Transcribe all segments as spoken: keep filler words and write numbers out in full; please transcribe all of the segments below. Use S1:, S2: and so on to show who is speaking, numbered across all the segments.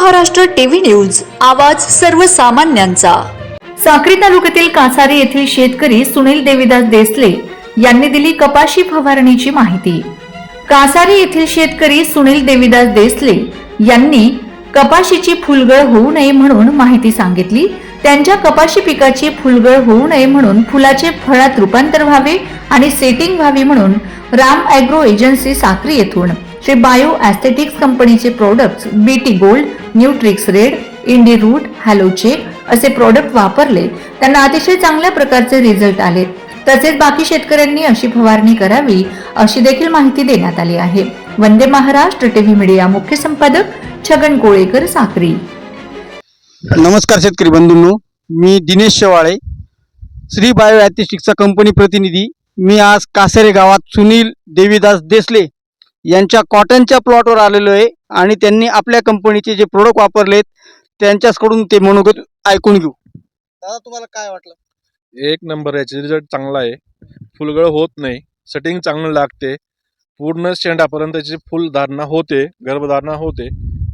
S1: Maharashtra TV news, आवाज सर्वसामान्यांचा।
S2: साक्री तालुक्यातील कासारी येथील शेतकरी सुनील देवीदास देसले यांनी दिली कपाशी फवारणीची माहिती। कासारी येथील शेतकरी सुनील देवीदास देसले यांनी कपाशीची फुलगळ होऊ नये म्हणून माहिती सांगितली। त्यांच्या कपाशी पिकाची फुलगळ होऊ नये म्हणून फुलाचे फळात रूपांतर व्हावे आणि सेटिंग व्हावी म्हणून राम ॲग्रो एजन्सी साक्री येथून श्री बायो ॲस्थेटिक्स कंपनीचे products BT Gold, Nutrix Red, Indi Root, Halocheck असे प्रोडक्ट वापरले। त्यांना अतिशय चांगल्या प्रकारचे रिझल्ट आले। तसेच बाकी शेतकऱ्यांनी अशी फवारणी करावी अशी देखील माहिती देण्यात आली आहे। वंदे महाराष्ट्र टीव्ही मीडिया मुख्य संपादक छगन कोळेकर, साक्री।
S3: नमस्कार शेतकरी बंधूंनो, मी दिनेश शेवाळे, श्री बायो ॲस्थेटिक्सचा कंपनी प्रतिनिधी। मी आज कासारे गावात सुनील देवीदास देसले यांच्या कॉटनच्या प्लॉटवर आलेलो आहे आणि त्यांनी आपल्या कंपनीचे जे प्रोडक्ट वापरलेत त्यांच्याकडून ते मनोगत ऐकून घेऊ। दादा, तुम्हाला काय वाटलं?
S4: एक नंबर, याचे रिझल्ट चांगला आहे। फुलगळ होत नाही, सेटिंग चांगलं लागते, पूर्ण शेंडापर्यंतची फुलधारणा होते, गर्भधारणा होते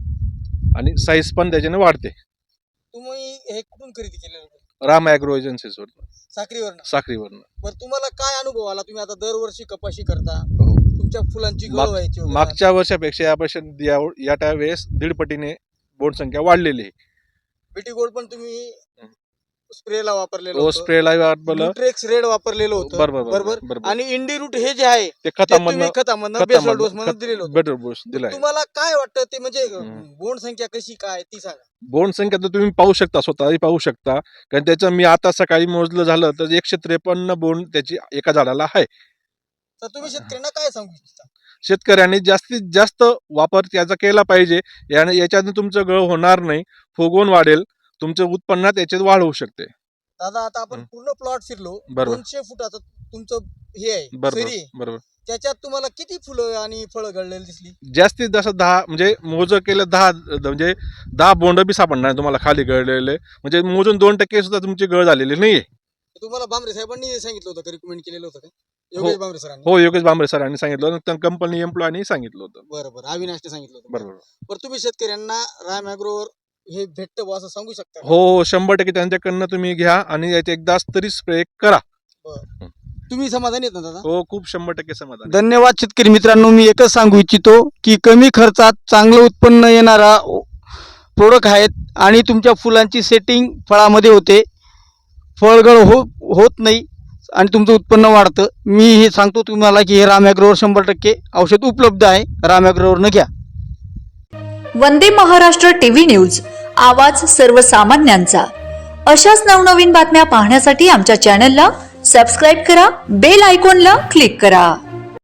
S4: आणि साईज पण त्याच्याने वाढते।
S3: तुम्ही हे कुठून खरेदी केलेलं?
S4: राम ॲग्रो एजन्सीजवरून,
S3: साक्रीवरून।
S4: साक्रीवरून।
S3: बरं, तुम्हाला काय अनुभव आला? तुम्ही आता दरवर्षी कपाशी करता,
S4: हो।
S3: तुमच्या फुलांची गळ व्हायची वगैरे।
S4: मागच्या वर्षापेक्षा यापेक्षा या त्या वेळेस दीड पटीने बोंड संख्या वाढलेली आहे।
S3: बीटी गोल्ड पण तुम्ही स्प्रेला वापरलेलं
S4: हो,
S3: होतं,
S4: स्प्रेला वापरलं,
S3: न्यूट्रिक्स रेड वापरलेलं होतं,
S4: बरोबर
S3: बरोबर
S4: बरोबर।
S3: आणि इंडी रूट हे जे आहे
S4: ते
S3: ते तुम्ही
S4: खतामधनं
S3: खतामधनं बेसल डोस म्हणून दिलेलं होतं।
S4: बेटर डोस दिलाय।
S3: तुम्हाला काय वाटतं ते, म्हणजे बोंड संख्या कशी काय ती सांगा।
S4: बोंड संख्या तर तुम्ही पाहू शकता, स्वतःही पाहू शकता, कारण त्याचं मी आता सकाळी मोजलं झालं तर एकशे त्रेपन्न बोंड त्याची एका झाडाला आहे।
S3: तर तुम्ही शेतकऱ्यांना काय सांगू इच्छिता?
S4: शेतकऱ्यांनी जास्तीत जास्त वापर त्याचा केला पाहिजे। याने याच्याने तुमचं गळ होणार नाही, फुगवून वाढेल, तुमचं उत्पन्नात याच्यात वाढ होऊ शकते।
S3: दादा, आता आपण पूर्ण प्लॉट फिरलो,
S4: बरोबर।
S3: दोनशे फुटाचं तुमचं हे आहे,
S4: बरोबर
S3: सरी आहे।
S4: बरोबर।
S3: त्याच्यात तुम्हाला किती फुलं आणि फळं गळलेली दिसली?
S4: जास्तीत जास्त दहा, म्हणजे मोज केलं दहा, म्हणजे दहा बोंड बी सापडणार नाही तुम्हाला खाली गळलेले, म्हणजे मोजून दोन टक्के सुद्धा तुमची गळ झालेली नाहीये।
S3: तुम्हाला बांबरे साहेबांनी सांगितलं होतं का, रिकमेंड केलेलं होतं का योगेश बांबरे सरांनी?
S4: हो, योगेश बांबरे सरांनी सांगितलं होतं, कंपनी एम्प्लॉयनी सांगितलं होतं।
S3: बरोबर, अविनाशने सांगितलं होतं।
S4: बरोबर
S3: बरं, तुम्ही शेतकऱ्यांना राम ॲग्रोवर हे भेटतं बुवा असं सांगू शकता का?
S4: हो हो, शंभर टक्के त्यांच्याकडनं तुम्ही घ्या आणि याचे एकदा तरी स्प्रे करा।
S3: बरं, तुम्ही समाधानी आहेत ना दादा?
S4: हो, खूप शंभर टक्के समाधान।
S3: धन्यवाद शेतकरी मित्रांनो, मी एकच सांगू इच्छितो की कमी खर्चात चांगलं उत्पन्न येणारा प्रोडक्ट आहेत आणि तुमच्या फुलांची सेटिंग फळामध्ये होते, फळगळ हो होत नाही आणि तुमचं उत्पन्न वाढतं। मी हे सांगतो तुम्हाला की हे राम ॲग्रोवर शंभर टक्के औषध उपलब्ध आहे, राम ॲग्रोवरनं घ्या।
S1: वंदे महाराष्ट्र टीव्ही न्यूज, आवाज सर्वसामान्यांचा। अशाच नवनवीन बातम्या पाहण्यासाठी आमच्या चॅनलला सबस्क्राईब करा, बेल आयकॉनला क्लिक करा।